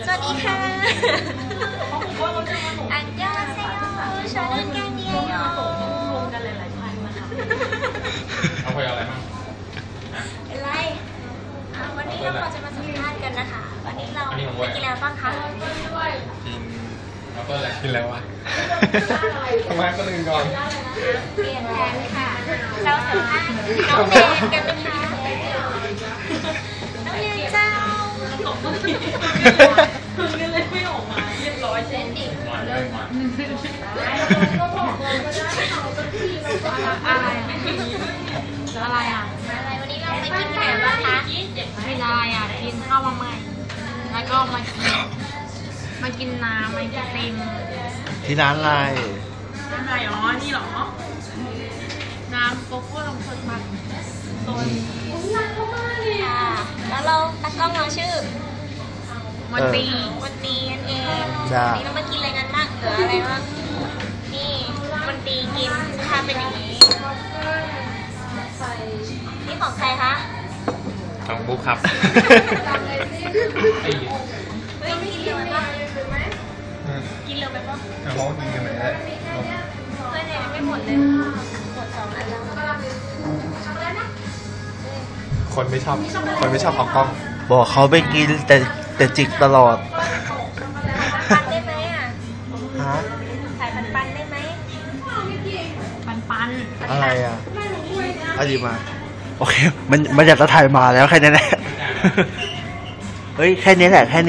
สวัสดีค่ะอันยองเซโยชาร์ลแกนเนียโยเอาไปอะไรบ้างเป็นไรวันนี้เราจะมาสัมภาษณ์กันนะคะวันนี้เราไปกินอะไรบ้างคะกินแล้วก็อะไรกินแล้ววะทำไมก็ลืมก่อนเปลี่ยนแผนค่ะเราสัมภาษณ์น้องเนนกันนะคะน้องเนนเจ้าคือกันเลยไม่ออกมาเรียบร้อยเช่นดิอะไรอะไรอ่ะอะไรวันนี้เราไปกินที่ไหนบ้างคะไม่ได้อ่ะกินข้าวมาใหม่แล้วก็มากินน้ำมากินติมที่ร้านอะไรอะไรอ๋อนี่หรอน้ำโกโก้ลงสดมันต้นค่ะแล้วเราตากล้องเราชื่อวันตีนั่นเองวันนี้เรามากินอะไรกันบ้างเหลืออะไรบ้างนี่วันตีกินทำเป็นอย่างนี้นี่ของใครคะของบุ๊คครับเฮ้ยกินเร็วไปปะกินเร็วไปปะเขากินกันไหมได้เพื่อนเนี่ยไม่หมดเลยหมด2 อันแล้วคนไม่ชอบของกล้องบอกเขาไปกินแต่จิกตลอดปันได้ไหมอ่ะฮะขายปันได้ไหมปันอะไรอ่ะเอาดีมาโอเคมันอยากจะถ่ายมาแล้วแค่นี้แหละเฮ้ยแค่นี้แหละแค่